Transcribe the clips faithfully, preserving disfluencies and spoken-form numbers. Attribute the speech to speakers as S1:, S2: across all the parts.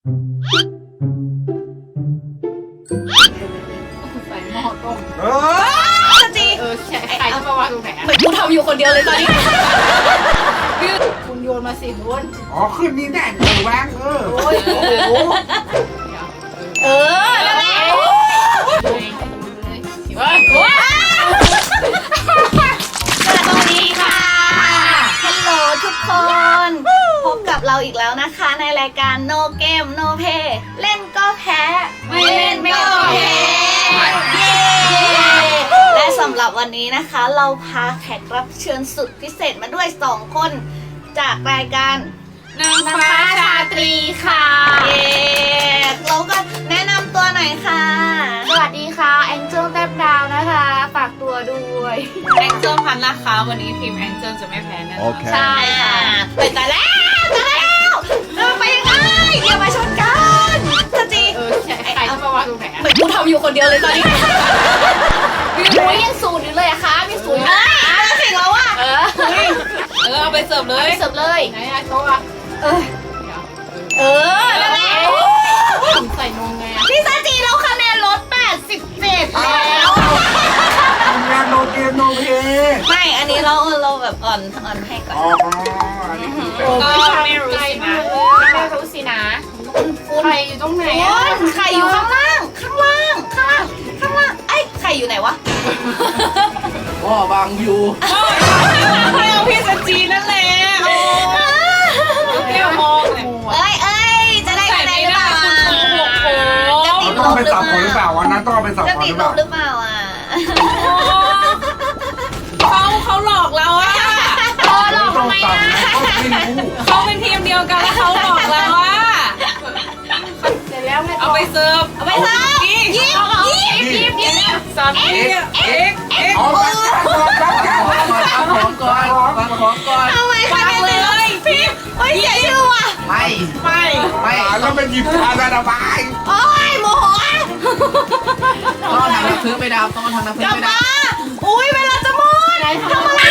S1: ใส่หม้อต้ม
S2: เออ
S3: จี
S1: เออใช่ใครจะมาวางตรงไหน
S3: เหมือนกูทำอยู่คนเดียวเลยตอนนี้
S1: คุณโยนมาสิคุณ
S2: อ๋อขึ้นนี่แน่เออแวงเออ
S1: โอ้ยโอ้โหเดี๋ยว
S3: เออนั่นแหละ
S1: เลยเฮ้ยโอ้ย
S3: สวัสดีค่ะฮัลโหลทุกคน พบกับเราอีกแล้วนะคะในรายการ No Game No Play เล่นก็แพ้
S1: ไม่เล่นไม่ก็แพ้
S3: เย้และสำหรับวันนี้นะคะ เราพาแขกรับเชิญสุดพิเศษมาด้วยสองคน จากรายการ
S1: นางฟ้าชาตรีค่ะ
S3: เย้เราก็แนะนำตัวหน่อยค่ะ
S1: สวัสดีค่ะแองเจิลแต้มดาวนะคะฝากตัวด้วย
S4: แองเจิลพันนะคะวันนี้ทีมแองเจิลจะไม่แพ้แน่นอน
S2: Okay.
S3: ใช่ค่ะไปตายแล้วตายแล้วเออไปยังไงอย่ามาชนกันสจี
S1: เออใช่ใครจะมาวางตรงไหน
S3: เหมือนกูทำอยู่คนเดียวเลยตอนนี้
S1: มีหมูยังสูตรอยู่เลยอะคะมีสูตร
S3: เอ้ยมาถึงแล้วว่ะ
S1: เออ
S4: เออเอาไปเสิร์ฟเลย
S1: เสิร์ฟเลยไหนอะโต๊ะอะ
S3: เออ
S1: เดี๋ยว
S3: เออนั่นแหละ
S1: ผมใส่นมไงอะ
S3: พี่สจีเราคะแนนลดแปดสิบเจ็ดแล้ว
S2: ทำงานโนเกมโนเพย์
S3: ไม่อันนี้เราเราแบบอ่อนอ่อนให้ก่อน
S2: อ๋ออันนี้คือแบบ
S4: ก็ไม่รู้
S1: ไกล
S4: สิ
S1: มา
S4: นะ
S1: กเลยไม่รู้สินะใครอยู่ตรงไหนอะ
S3: คุณไข่อยู่ข้างล่าง ข้างล่าง ข้างล่าง ข้างล่างไอ้ยไข่อยู่ไหนวะ
S2: พ่อบางอยู่
S4: ไม่เอาพี่สจีนั่นแหละโอ้เที่ยวมองเลย
S3: เอ้ยเอ้ยจะได้
S4: ใส่
S3: คะแน
S4: ไม่
S3: นหรือเป
S4: ได้
S3: ล่า
S4: คุณโกหกโอ้
S3: จะติดล
S2: ต้อง
S3: บ
S2: ไป
S3: หรือ
S2: สับ
S3: เป
S2: คนหรือเป
S3: ล่า
S2: ล่าวันนั้นต้องเอาไปสับ
S3: จะ
S2: คน
S3: ติ
S2: ห
S3: ด
S2: รือเปล่า
S3: ลบหรือเปล่าอ่ะ
S4: เขาเขาหลอกเราอะ
S1: เออหลอก
S2: ต้อ
S1: ทำ
S2: ง
S1: ไม
S2: สับ
S1: อะ
S2: นะเขาไม่รู้
S4: เขาเป็นทีมเดียวกันแล้วเขาหลอกเราอะ
S1: เสร็จแล้วไง
S4: เอาไปเสิร์ฟ
S3: เอาไปเถอะยิ้มยิ้ม
S1: ยิบยิบ
S4: สามทีเอ็กเอ็ก
S2: เอาไปสับแก้วสับของก่อนสับของก่อน
S3: ทำไมคะแนนเลยพิมโอ้ยเสียชื่อว่ะ
S2: ไม่
S4: ไม่
S2: ไม่แล้วมันหยิบชาดาดาบาย
S3: โอ้ยโมโห
S5: ต้องเอาทางน้ำพึ่งไปดับต้องเอาทางน้ำพึ่
S3: ก
S5: ง
S3: ลับ
S5: ไปดั
S3: มา
S5: บ
S3: อุ้ยเวลาจะหมดทำอะไร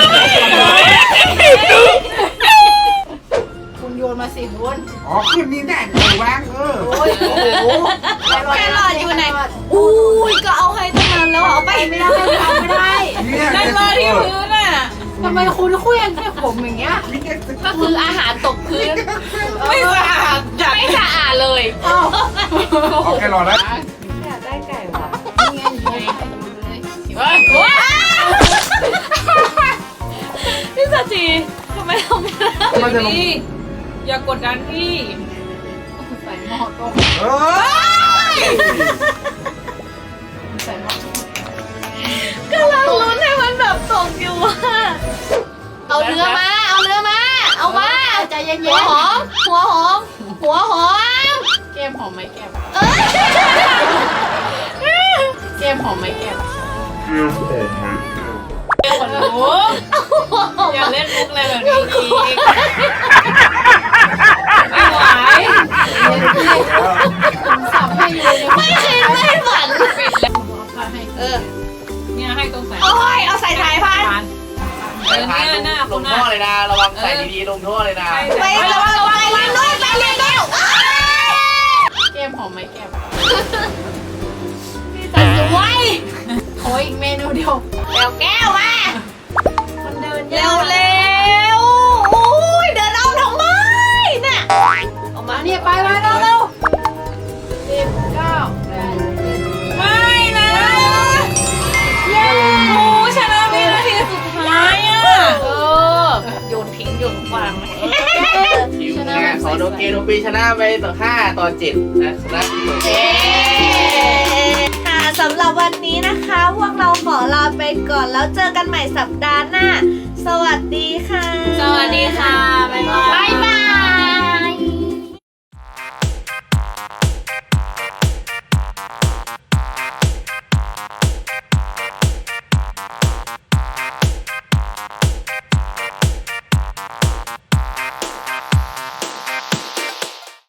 S1: คุณโยนมาสิคุณ
S2: อ๋อขึ้นนี่แน่เออแวงเออ
S1: โอ้ยโอ้โห
S3: แครอทอยู่ไหนอุ้ยก็เอาให้ตั้งนานแล้วเอาไป
S1: ไม่ได้ไม่ได้ไม่ได้
S2: เนี่ย
S4: นั่นเลยที่พื้นอะ
S1: ทำไมคุณเคลื่อนแค่ผมอย่างเงี้ย ก็คืออาหารตกพื้น
S4: ไม่สะอาดจัด
S1: ไม่สะอาดเลย
S2: โอเครอแล้ว
S1: อยากได้ไก่ว่ะนี่ไงอยู่ในเลย
S4: เฮ้ยโอ้ย
S3: พี่สจีทำไมเราไม่ได้
S2: มันจะลง
S4: พี่อย่ากดดันพี่
S1: ใส่หม้อต้ม
S2: เอ้ย
S1: ใส่หม้อก
S3: ำลังลุ้นให้มันแบบตกอยู่ว่า
S1: เอาเนื้อมา เอาเนื้อมา เอามาใจเย็นๆ
S3: หัวหอม หัวหอม หัวหอม
S1: แก้มหอมไหมแก้ม
S3: เอ้ย
S1: แก้มหอมไหมแก้ม
S4: เดี๋ยวหนูอย่าเล่นมุกอะไรแบบนี้อีกไม่ไหว
S1: ผมสับให้อยู่เนี่ย
S3: ไม่คิดไม่ฝัน
S4: ปิดแล้ว
S1: เอาให้
S3: เออ
S4: เนี่ยให้ตรงใส่
S3: โอ้ย เอาใส่สายพันธุ์
S4: เออเนี่ยหน้า
S5: ล
S4: คุณ
S5: ง
S4: หน้า
S5: ท่อเลยนะ ระวังใส่ดีๆลงท่อเลยนะ
S3: ไประวังระวังไปเรียนด้วยไปเรียนด้วยอ้าว
S1: แก้มหอมไหมแก้ม
S3: พี่จะสวย
S1: โอ้ยอีกเมนูเดียว
S3: เร็วแก้วมา
S1: มันเดิน
S3: เร็วเร็วอุ้ยเดินเอาทำไมน่ะ
S1: ออกมาเนี่ยไปไปเร็วเร็วสิบเก้าแปด
S4: ไม่นะ
S1: เย้
S4: โอ้ชนะวินาทีสุดท้ายอ่ะ
S3: เออโยนทิ้งโยนวาง
S1: ชนะ
S5: ขอโดเกโนปีชนะไปต่อห้าต่อเจ็ดนะชนะ
S3: เย้ค่ะสำหรับวันนี้นะคะ พวกเราขอลาไปก่อนแล้วเจอกันใหม่สัปดาห์หน้า สวัสดีค่ะ
S4: สวัสดีค่ะบ๊ายบาย
S1: บ๊ายบ